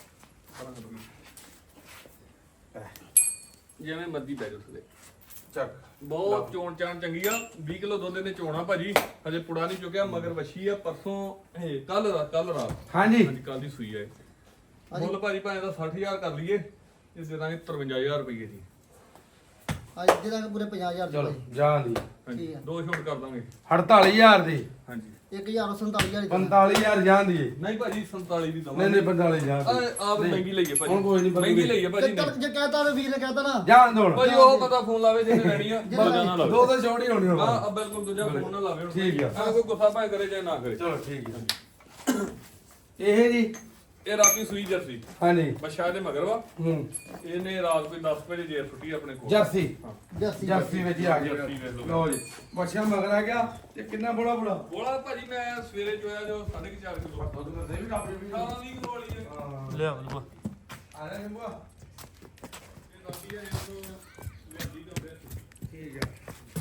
[SPEAKER 2] ਜਿਵੇਂ ਮਰਦੀ ਬੈ ਜਾ ਥੱਲੇ
[SPEAKER 1] ਚੱਕ
[SPEAKER 2] ਬਹੁਤ ਚੋਣ ਚਾਣ ਚੰਗੀ ਆ ਵੀਹ ਕਿਲੋ ਦੁੱਧ ਇਹਨੇ ਚੋਣਾ ਭਾਜੀ ਹਜੇ ਪੁੜਾ ਨਹੀਂ ਚੁੱਕਿਆ ਮਗਰ ਵੱਛੀ ਆ ਪਰਸੋਂ ਇਹ ਕੱਲ ਰਾਤ ਕੱਲ ਰਾਤ
[SPEAKER 1] ਹਾਂਜੀ
[SPEAKER 2] ਹਾਂਜੀ ਕੱਲ ਦੀ ਸੂਈ ਆ ਇਹ ਮੁੱਲ ਭਾਜੀ ਭਾਵੇਂ ਦਾ ਸੱਠ ਹਜ਼ਾਰ ਕਰ ਲਈਏ ਇਹ ਦੇ ਦਾਂਗੇ ਤਰਵੰਜਾ ਹਜ਼ਾਰ ਰੁਪਏ ਦੀ
[SPEAKER 3] ਅੱਜ ਦੇ ਦਾਂਗੇ ਪੂਰੇ ਪੰਜਾਹ ਹਜ਼ਾਰ
[SPEAKER 1] ਚਲੋ
[SPEAKER 3] ਦੀ
[SPEAKER 1] ਜਾਣ ਦੀ
[SPEAKER 2] ਹਾਂਜੀ
[SPEAKER 3] ਠੀਕ ਆ।
[SPEAKER 2] ਦੋ ਛੋਟ ਕਰ ਦਾਂਗੇ
[SPEAKER 1] ਅੜਤਾਲੀ ਹਜ਼ਾਰ ਦੀ
[SPEAKER 2] ਹਾਂਜੀ
[SPEAKER 3] ਇੱਕ ਹਜ਼ਾਰ ਸੰਤਾਲੀ ਹਜ਼ਾਰ ਦੀ
[SPEAKER 1] ਪੰਤਾਲੀ ਹਜ਼ਾਰ ਜਾਣ ਦੀ
[SPEAKER 2] ਨਹੀਂ ਭਾਜੀ ਸੰਤਾਲੀ ਦੀ
[SPEAKER 1] ਨਹੀਂ
[SPEAKER 2] ਦਵਾਂਗੇ
[SPEAKER 1] ਨਹੀਂ ਪੰਤਾਲੀ ਜਾਣ ਦੀ
[SPEAKER 2] ਆਪ ਮਹਿੰਗੀ ਲਈਏ ਭਾਜੀ
[SPEAKER 1] ਹੁਣ ਕੋਈ ਨਹੀਂ ਬੰਦੂਗੀ।
[SPEAKER 2] ਮਹਿੰਗੀ ਲਈਏ ਭਾਜੀ
[SPEAKER 3] ਤੇ
[SPEAKER 2] ਨੇ
[SPEAKER 3] ਤੜਕ ਜੇ ਕਹਤਾ ਤੇ ਵੀਰ ਨੇ ਕਹਤਾ ਨਾ
[SPEAKER 1] ਜਾਣ ਦੋ ਹੁਣ
[SPEAKER 2] ਭਾਜੀ ਉਹ ਪਤਾ ਫੋਨ ਲਾਵੇ ਜਿਹਨੇ ਲੈਣੀ ਆ ਦੂਜਾ ਨਾ ਲਾਵੇ
[SPEAKER 1] ਦੋ ਤਾਂ ਛੋਟੀ ਹੋਣੀ ਹੁਣ
[SPEAKER 2] ਹਾਂ ਬਿਲਕੁਲ ਦੂਜਾ ਫੋਨ ਨਾ ਲਾਵੇ ਹੁਣ
[SPEAKER 1] ਠੀਕ ਆ।
[SPEAKER 2] ਐਵੇਂ ਕੋਈ ਗੁੱਸਾ ਭਾਵੇਂ ਕਰੇ ਚਾਹੇ ਨਾ ਕਰੇ
[SPEAKER 1] ਚਲੋ ਠੀਕ ਹੈ ਇਹ ਜੀ
[SPEAKER 2] ਇਹ ਰਾਤੀ ਸੂਈ ਜਰਸੀ
[SPEAKER 1] ਹਾਂਜੀ
[SPEAKER 2] ਬੱਚਾ ਦੇ ਮਗਰ ਵਾ
[SPEAKER 1] ਹੂੰ
[SPEAKER 2] ਇਹਨੇ ਰਾਤ ਕੋਈ ਦਸ ਵਜੇ ਜੇਰ ਛੁੱਟੀ ਆਪਣੇ ਕੋਲ
[SPEAKER 1] ਜਰਸੀ
[SPEAKER 2] ਹਾਂ
[SPEAKER 3] ਜੱਸੀ
[SPEAKER 1] ਜਰਸੀ ਵਿੱਚ ਹੀ ਆ ਗਿਆ
[SPEAKER 2] ਜਰਸੀ ਵੇਖ ਲਓ।
[SPEAKER 1] ਲਓ ਜੀ ਬੱਚਾ ਮਗਰ ਆ ਗਿਆ ਤੇ ਕਿੰਨਾ ਬੋਲਾ ਬੋਲਾ
[SPEAKER 2] ਬੋਲਾ ਭਾਜੀ ਮੈਂ ਸਵੇਰੇ ਚੋਇਆ ਜੋ ਸਾਢੇ ਕੁ ਚਾਰ ਕਿਲੋ
[SPEAKER 1] ਦੁੱਧ ਮੈਂ ਦੇ ਵੀ ਆਪਣੇ ਵੀ
[SPEAKER 2] ਅਠਾਰਾਂ ਵੀਹ ਕਿਲੋ ਵਾਲੀ ਹੈ
[SPEAKER 1] ਹਾਂ
[SPEAKER 4] ਲਿਆ ਬੱਲੂ
[SPEAKER 1] ਆ ਰਿਹਾ ਨਿੰਬੂਆ
[SPEAKER 2] ਇਹ ਰਾਤੀ ਹੈ ਇਹਨੂੰ ਲੈਂਦੀ ਤਾਂ ਬੈਠ
[SPEAKER 1] ਠੀਕ ਹੈ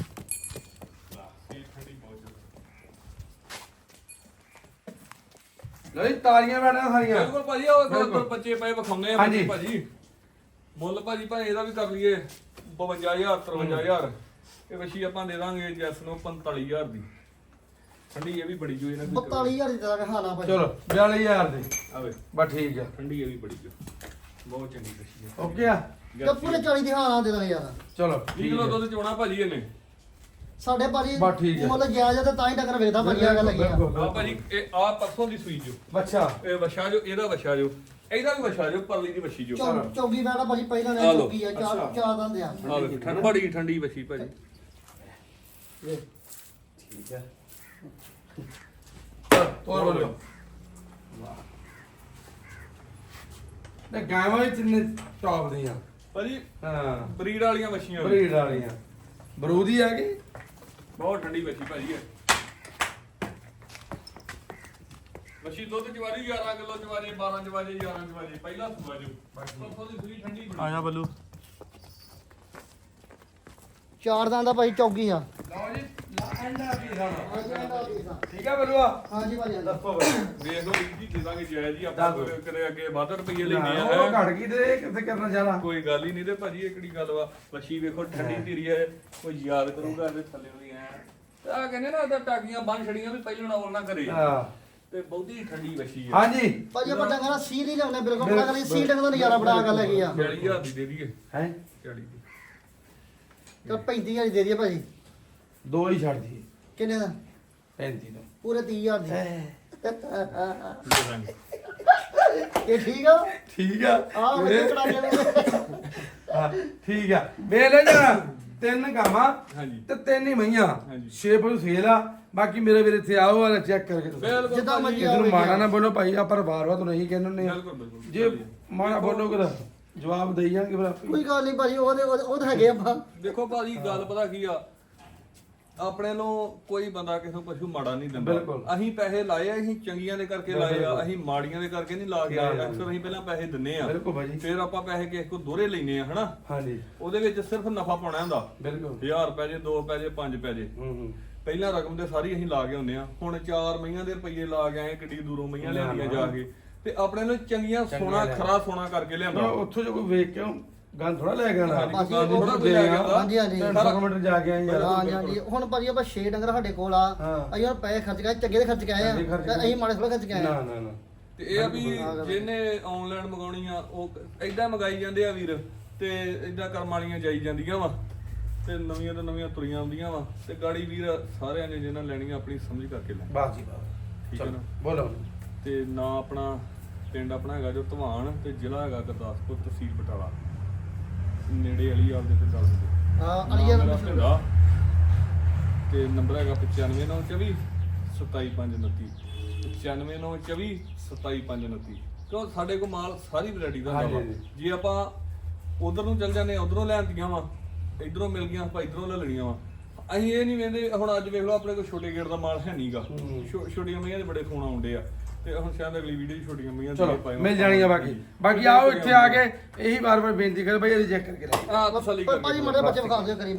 [SPEAKER 2] ਇਹ ਠੰਡੀ ਬਹੁਤ ਜ਼ਿਆਦਾ
[SPEAKER 1] ਲਓ ਜੀ ਤਾਲੀਆਂ ਬੈਠਣਾ ਸਾਰੀਆਂ
[SPEAKER 2] ਬਿਲਕੁਲ ਭਾਜੀ ਉਹ
[SPEAKER 1] ਬਿਲਕੁਲ।
[SPEAKER 2] ਉੱਪਰ ਬੱਚੇ ਪਏ ਵਿਖਾਉਂਦੇ ਆ
[SPEAKER 1] ਹਾਂਜੀ।
[SPEAKER 2] ਬੱਚੇ ਭਾਜੀ ਮੁੱਲ ਭਾਜੀ ਭਾਵੇਂ ਇਹਦਾ ਵੀ ਕਰ ਲਈਏ ਬਵੰਜਾ ਹਜ਼ਾਰ ਤਰਵੰਜਾ ਹਜ਼ਾਰ ਇਹ ਵਸ਼ੀ ਆਪਾਂ ਦੇ ਦਾਂਗੇ ਜੈਸ ਨੂੰ ਪੰਤਾਲੀ ਹਜ਼ਾਰ ਦੀ ਠੰਡੀ ਇਹ ਵੀ ਬੜੀ ਜੋ ਇਹਨਾਂ ਦੀ
[SPEAKER 3] ਬਤਾਲੀ ਹਜ਼ਾਰ ਦੀ ਦਾਂਗੇ ਹਾਲਾ ਭਾਜੀ
[SPEAKER 1] ਚਲੋ ਬਿਆਲੀ ਹਜ਼ਾਰ ਦੀ
[SPEAKER 2] ਆਵੇ
[SPEAKER 1] ਬਸ ਠੀਕ ਹੈ
[SPEAKER 2] ਠੰਡੀ ਇਹ ਵੀ ਬੜੀ ਜੋ ਬਹੁਤ ਚੰਗੀ ਵਸ਼ੀ ਹੈ
[SPEAKER 1] ਓਕੇ ਆ
[SPEAKER 3] ਤੇ ਪੂਰੇ ਚਾਲੀ ਦੀ ਹਾਲਾ ਦੇ ਦਾਂਗੇ ਯਾਰ
[SPEAKER 1] ਚਲੋ
[SPEAKER 2] ਵੀਹ
[SPEAKER 1] ਠੀਕ
[SPEAKER 2] ਕਿਲੋ
[SPEAKER 1] ਹੈ
[SPEAKER 2] ਦੁੱਧ ਚੋਣਾ ਭਾਜੀ ਇਹਨੇ
[SPEAKER 3] ਸਾਡੇ ਭਾਜੀ
[SPEAKER 1] ਬਸ ਠੀਕ ਹੈ।
[SPEAKER 3] ਮੁੱਲ ਜਾਇਜ਼ ਆ ਤੇ ਤਾਂ ਹੀ ਟੱਕਰ ਵੇਖਦਾ ਭਾਜੀ ਆ ਗੱਲ ਹੈਗੀ ਆ
[SPEAKER 1] ਬਿਲਕੁਲ,
[SPEAKER 2] ਆ ਭਾਜੀ ਇਹ ਆ ਪਰਸੋਂ ਦੀ ਸੂਈ ਜੋ
[SPEAKER 1] ਬੱਚਾ
[SPEAKER 2] ਇਹ ਵਛਾ ਜੋ ਇਹਦਾ ਵਛਾ ਜੋ ਇਹਦਾ ਵੀ ਵਛਾ ਜੋ ਪਰਲੀ ਦੀ ਵਛੀ ਜੋ
[SPEAKER 3] ਚੌ- ਚੌਗੀ ਬੈਠਾ ਭਾਜੀ ਪਹਿਲਾਂ
[SPEAKER 2] ਆ
[SPEAKER 3] ਨੇ
[SPEAKER 2] ਲਓ।
[SPEAKER 3] ਚੌਗੀ ਆ ਚਾਰ
[SPEAKER 1] ਅੱਛਾ।
[SPEAKER 3] ਚਾਰ ਦੰਦ ਆ
[SPEAKER 2] ਆ ਵੇਖੋ ਠੰਡ ਬੜੀ ਠੰਡੀ ਵਛੀ ਭਾਜੀ
[SPEAKER 1] ਠੀਕ ਹੈ ਤੋਰ ਬੋਲੋ ਤੇ ਗਾਵਾਂ ਵੀ ਤਿੰਨੇ ਟੌਪ ਦੀਆਂ
[SPEAKER 2] ਭਾਜੀ
[SPEAKER 1] ਹਾਂ
[SPEAKER 2] ਬਰੀਡ ਵਾਲੀਆਂ ਮੱਛੀਆਂ ਵੀ।
[SPEAKER 1] ਬਰੀਡ ਵਾਲੀਆਂ ਬਰੂਦੀ ਆ ਗਈ
[SPEAKER 2] ਬਹੁਤ ਠੰਡੀ ਮੱਛੀ ਭਾਜੀ ਹੈ ਮੱਛੀ ਦੁੱਧ ਚਵਾਰੀ ਗਿਆਰਾਂ ਕਿਲੋ ਚਵਾਰੀ ਬਾਰਾਂ ਚਵਾਰੀ ਗਿਆਰਾਂ ਚਵਾਰੀ ਪਹਿਲਾ ਸੁਆ ਜੋ ਪਰਸੋਂ ਦੀ ਸੂਈ ਠੰਡੀ ਬੜੀ।
[SPEAKER 4] ਆ ਜਾ ਬੱਲੂ
[SPEAKER 3] ਚਾਰ ਦਾਂ ਦਾ ਭਾਈ ਚੌਗੀ ਆ
[SPEAKER 1] ਲਓ ਜੀ ਲਾ ਐਂਡਾ ਕੀ ਖਾਣਾ
[SPEAKER 3] ਹਾਂਜੀ ਇਹਦਾ ਵੀ ਆ।
[SPEAKER 1] ਠੀਕ ਆ ਬਲੂਆ
[SPEAKER 3] ਹਾਂਜੀ ਭਾਜੀ ਇਹਦਾ।
[SPEAKER 1] ਦੱਸੋ ਬਈ
[SPEAKER 2] ਦੇਖ ਲਓ ਵੀਰ ਜੀ ਦੇਵਾਂਗੇ ਜਾਇਜ਼ ਜੀ ਆਪਾਂ
[SPEAKER 1] ਦੱਸ।
[SPEAKER 2] ਕੋਈ ਕਦੇ ਅੱਗੇ ਵੱਧ ਰੁਪਈਏ ਲੈਣੇ
[SPEAKER 1] ਉਹ
[SPEAKER 2] ਆ
[SPEAKER 1] ਘਟ ਗਈ ਤੇ ਇਹ ਕਿੱਥੇ ਕਰਨਾ ਚਾਹਣਾ
[SPEAKER 2] ਕੋਈ ਗੱਲ ਹੀ ਨਹੀਂ ਤੇ ਭਾਜੀ ਇਹ ਕਿਹੜੀ ਗੱਲ ਵਾ ਮੱਛੀ ਵੇਖੋ ਠੰਡੀ ਧੀਰੀ ਹੈ ਕੋਈ ਯਾਦ ਕਰੂਗਾ ਇਹਦੇ ਥੱਲੇ ਵੀ ਐ ਤੇ ਆ ਕਹਿੰਦੇ ਨਾ ਉਹਦਾ ਟਾਕੀਆਂ ਬੰਨ ਛੜੀਆਂ ਵੀ ਪਹਿਲਾਂ ਨਾਲ ਨਾ ਕਰੇ
[SPEAKER 1] ਹਾਂ
[SPEAKER 2] ਤੇ ਬਹੁਤੀ ਠੰਡੀ ਮੱਛੀ ਹੈ
[SPEAKER 1] ਹਾਂਜੀ
[SPEAKER 3] ਭਾਜੀ ਆਪਾਂ ਡੰਗਰ ਦਾ ਸੀ ਨਹੀਂ ਲਿਆਉਣੇ ਬਿਲਕੁਲ ਪਤਾ ਕਰੀ ਸੀ ਡੰਗਰ ਦਾ ਨਜ਼ਾਰਾ ਬੜਾ ਗੱਲ ਹੈਗੀ ਆ
[SPEAKER 2] ਚਾਲੀ ਹਜ਼ਾਰ ਦੀ ਦੇ ਦਈਏ
[SPEAKER 1] ਹੈ
[SPEAKER 2] ਚਾਲੀ ਦੀ
[SPEAKER 3] ਤੇ ਪੈਂਤੀ ਹਜ਼ਾਰ ਦੀ ਦੇ ਦਈਏ ਭਾਜੀ
[SPEAKER 1] ਦੋ ਹੀ ਛੱਡ ਦੀ
[SPEAKER 3] ਕਿੰਨੇ ਦਾ
[SPEAKER 1] ਪੈਂਤੀ ਦਾ
[SPEAKER 3] ਪੂਰੇ ਤੀਹ ਹਜ਼ਾਰ ਦੀ
[SPEAKER 2] ਦੇ ਦਾਂਗੇ
[SPEAKER 3] ਇਹ ਠੀਕ ਆ
[SPEAKER 1] ਠੀਕ ਆ
[SPEAKER 3] ਆ ਮੇਰੇ ਕੜਾ ਦੇ
[SPEAKER 1] ਹਾਂ, ਠੀਕ ਆ ਵੇਖ ਲੈ ਜਰਾ ਤਿੰਨ ਗਾਵਾਂ
[SPEAKER 2] ਹਾਂਜੀ
[SPEAKER 1] ਤੇ ਤਿੰਨ ਹੀ ਮਈਆਂ
[SPEAKER 2] ਹਾਂਜੀ।
[SPEAKER 1] ਛੇ ਪਸ਼ੂ ਸੇਲ ਆ ਬਾਕੀ ਮੇਰੇ ਵੀਰੇ ਇੱਥੇ ਆਓ ਵਾਲਾ ਚੈੱਕ ਕਰਕੇ ਦੱਸੋ
[SPEAKER 2] ਬਿਲਕੁਲ
[SPEAKER 3] ਜਿੱਦਾਂ
[SPEAKER 2] ਭਾਜੀ,
[SPEAKER 3] ਮਰਜ਼ੀ
[SPEAKER 1] ਕਿਸੇ ਨੂੰ ਮਾਣਾ ਨਾ ਬੋਲੋ ਭਾਈ ਆਪਾਂ ਵਾਰ ਵਾਰ ਨਹੀਂ ਕਹਿੰਦੇ ਹੁੰਦੇ ਆ
[SPEAKER 2] ਬਿਲਕੁਲ ਬਿਲਕੁਲ
[SPEAKER 1] ਜੇ ਮਾਣਾ ਬੋਲੋਗੇ ਤਾਂ ਜਵਾਬ ਦੇਈ ਜਾਣਗੇ ਫਿਰ ਆਪੇ
[SPEAKER 3] ਕੋਈ ਗੱਲ ਨਹੀਂ ਭਾਜੀ ਉਹਦੇ ਉਹਦੇ ਉਹ ਤਾਂ ਹੈਗੇ ਆਪਾਂ
[SPEAKER 2] ਦੇਖੋ ਭਾਜੀ ਗੱਲ ਪਤਾ ਕੀ ਆ ਆਪਣੇ ਨੂੰ ਕੋਈ ਬੰਦਾ ਕਿਸੇ ਨੂੰ ਪਸ਼ੂ ਮਾੜਾ ਨਹੀਂ ਦਿੰਦਾ
[SPEAKER 1] ਬਿਲਕੁਲ।
[SPEAKER 2] ਅਸੀਂ ਪੈਸੇ ਲਾਏ ਆ ਅਸੀਂ ਚੰਗੀਆਂ ਦੇ ਕਰਕੇ ਲਾਏ ਆ ਅਸੀਂ ਮਾੜੀਆਂ ਦੇ ਕਰਕੇ ਨਹੀਂ ਲਾ ਕੇ ਆਏ ਅਕਸਰ ਅਸੀਂ ਪਹਿਲਾਂ ਪੈਸੇ ਦਿੰਨੇ ਆ
[SPEAKER 1] ਬਿਲਕੁਲ ਭਾਜੀ
[SPEAKER 2] ਫਿਰ ਆਪਾਂ ਪੈਸੇ ਕਿਸੇ ਕੋ ਦੋਹਰੇ ਲੈਨੇ ਆ ਹਨਾ
[SPEAKER 1] ਹਾਂਜੀ
[SPEAKER 2] ਉਹਦੇ ਵਿੱਚ ਸਿਰਫ ਨਫਾ ਪਾਉਣਾ ਹੁੰਦਾ
[SPEAKER 1] ਬਿਲਕੁਲ
[SPEAKER 2] ਹਜ਼ਾਰ ਰੁਪਏ ਜੇ ਦੋ ਰੁਪਏ ਜੇ ਪੰਜ ਰੁਪਏ ਜੇ
[SPEAKER 1] ਹੂੰ ਹੂੰ
[SPEAKER 2] ਪਹਿਲਾਂ ਰਕਮ ਤੇ ਸਾਰੀ ਅਸੀਂ ਲਾ ਕੇ ਹੁੰਨੇ ਆ ਹੁਣ ਚਾਰ ਮਹੀਆਂ ਦੇ ਰੁਪਏ ਲਾ ਕੇ ਆਏ ਕਿੱਡੀ ਦੂਰੋਂ ਮਹੀਆਂ ਲਿਆਂਦੀਆਂ ਜਾ ਕੇ ਤੇ ਆਪਣੇ ਨੂੰ ਚੰਗੀਆਂ ਸੋਨਾ ਖਰਾ ਸੋਨਾ ਕਰਕੇ ਲਿਆਂਦਾ
[SPEAKER 1] ਨਾ ਉੱਥੋਂ ਜੋ ਕੋਈ ਵੇਖ ਕੇ ਗੱਲ ਥੋੜਾ ਲੈ ਕੇ ਆਣਾ
[SPEAKER 2] ਹਾਂਜੀ, ਗੱਲ ਥੋੜ੍ਹਾ ਕੋਈ ਲੈ ਕੇ ਆਉਂਦਾ।
[SPEAKER 3] ਹਾਂਜੀ ਹਾਂਜੀ
[SPEAKER 1] ਤਿੰਨ ਸੌ ਕਿਲੋਮੀਟਰ ਜਾ ਕੇ ਆਏ ਯਾਰ
[SPEAKER 3] ਹਾਂਜੀ ਹਾਂਜੀ ਹੁਣ ਭਾਜੀ ਆਪਾਂ ਛੇ ਡੰਗਰ ਸਾਡੇ ਕੋਲ ਆ
[SPEAKER 1] ਹਾਂ।
[SPEAKER 3] ਅਸੀਂ ਹੁਣ ਪੈਸੇ ਖਰਚ ਕੇ ਆਏ, ਚੰਗੇ ਦੇ ਖਰਚ ਕੇ ਆਏ ਆ
[SPEAKER 1] ਚੰਗੇ ਖਰਚ
[SPEAKER 3] ਤੇ ਅਸੀਂ ਮਾੜੇ ਥੋੜਾ ਖਰਚ ਕੇ ਆਏ
[SPEAKER 1] ਨਾ
[SPEAKER 3] ਆ
[SPEAKER 1] ਨਾ ਨਾ
[SPEAKER 2] ਤੇ ਇਹ ਆ ਵੀ ਜਿਹਨੇ ਆਨਲਾਈਨ ਮੰਗਾਉਣੀ ਆ ਉਹ ਐਦਾਂ ਮੰਗਾਈ ਜਾਂਦੇ ਆ ਵੀਰ ਤੇ ਐਦਾਂ ਕਰਮ ਵਾਲੀਆਂ ਜਾਈ ਜਾਂਦੀਆਂ ਵਾ ਤੇ ਨਵੀਆਂ ਤੋਂ ਨਵੀਆਂ ਤੁਰੀਆਂ ਆਉਂਦੀਆਂ ਵਾ ਤੇ ਗਾੜੀ ਵੀਰ ਸਾਰਿਆਂ ਨੇ ਜਿਹਨਾਂ ਲੈਣੀਆਂ ਆਪਣੀ ਸਮਝ ਕਰਕੇ ਲੈ
[SPEAKER 1] ਬਾਸ ਜੀ ਬਾਸ
[SPEAKER 2] ਠੀਕ ਹੈ ਨਾ
[SPEAKER 1] ਬੋਲੋ
[SPEAKER 2] ਤੇ ਨਾ ਆਪਣਾ ਪਿੰਡ ਆਪਣਾ ਹੈਗਾ ਜੋ ਧਵਾਨ ਤੇ ਜ਼ਿਲ੍ਹਾ ਹੈਗਾ ਗੁਰਦਾਸਪੁਰ ਤਹਿਸੀਲ ਬਟਾਲਾ ਨੇੜੇ ਵਾਲੀ ਆਪਦੇ ਤੇ ਗੱਲ ਹੁੰਦੀ
[SPEAKER 3] ਹਾਂ ਅਲੀਆ
[SPEAKER 2] ਮੇਰਾ ਭਿੰਦਾ ਤੇ ਨੰਬਰ ਹੈਗਾ ਪਚਾਨਵੇਂ ਨੌ ਚੌਵੀ ਸਤਾਈ ਪੰਜ ਉਨੱਤੀ ਪਚਾਨਵੇਂ ਨੌ ਚੌਵੀ ਸਤਾਈ ਪੰਜ ਉਨੱਤੀ ਕਿਉਂ ਸਾਡੇ ਕੋਲ ਮਾਲ ਸਾਰੀ ਵੈਰਾਈਟੀ ਦਾ ਹੁੰਦਾ ਵਾ
[SPEAKER 1] ਹਾਂਜੀ।
[SPEAKER 2] ਜੇ ਆਪਾਂ ਉਧਰ ਨੂੰ ਚੱਲ ਜਾਂਦੇ ਉਧਰੋਂ ਲੈਂਦੀਆਂ ਵਾ ਇਧਰੋਂ ਮਿਲ ਗਈਆਂ ਆਪਾਂ ਇਧਰੋਂ ਲੈ ਲੈਣੀਆਂ ਵਾ ਅਸੀਂ ਇਹ ਨਹੀਂ ਵੇਂਦੇ ਹੁਣ ਅੱਜ ਵੇਖ ਲਓ ਆਪਣੇ ਕੋਲ ਛੋਟੇ ਗੇੜ ਦਾ ਮਾਲ ਹੈ ਨਹੀਂਗਾ ਛੋਟੀਆਂ ਮਈਆਂ ਦੇ ਬੜੇ ਫੋਨ ਆਉਂਦੇ ਆ ਤੇ ਹੁਣ ਸ਼ਾਇਦ ਅਗਲੀ ਵੀਡੀਓ ਛੋਟੀਆਂ ਮਈਆਂ ਦੇ
[SPEAKER 1] ਚਲੋ
[SPEAKER 2] ਪਾਏ
[SPEAKER 1] ਮਿਲ ਜਾਣੀਆਂ ਬਾਕੀ ਬਾਕੀ ਆਓ ਇੱਥੇ ਆ ਕੇ ਇਹੀ ਵਾਰ ਵਾਰ ਬੇਨਤੀ ਕਰ ਭਾਈ ਇਹਦੀ ਚੈੱਕ ਕਰਕੇ ਲੈ
[SPEAKER 2] ਆ ਤਸੱਲੀ
[SPEAKER 3] ਪਰ
[SPEAKER 2] ਕਰਕੇ
[SPEAKER 3] ਭਾਜੀ ਮਾੜੇ ਬੱਚੇ ਵਿਖਾ ਦਿਓ ਕਰੀ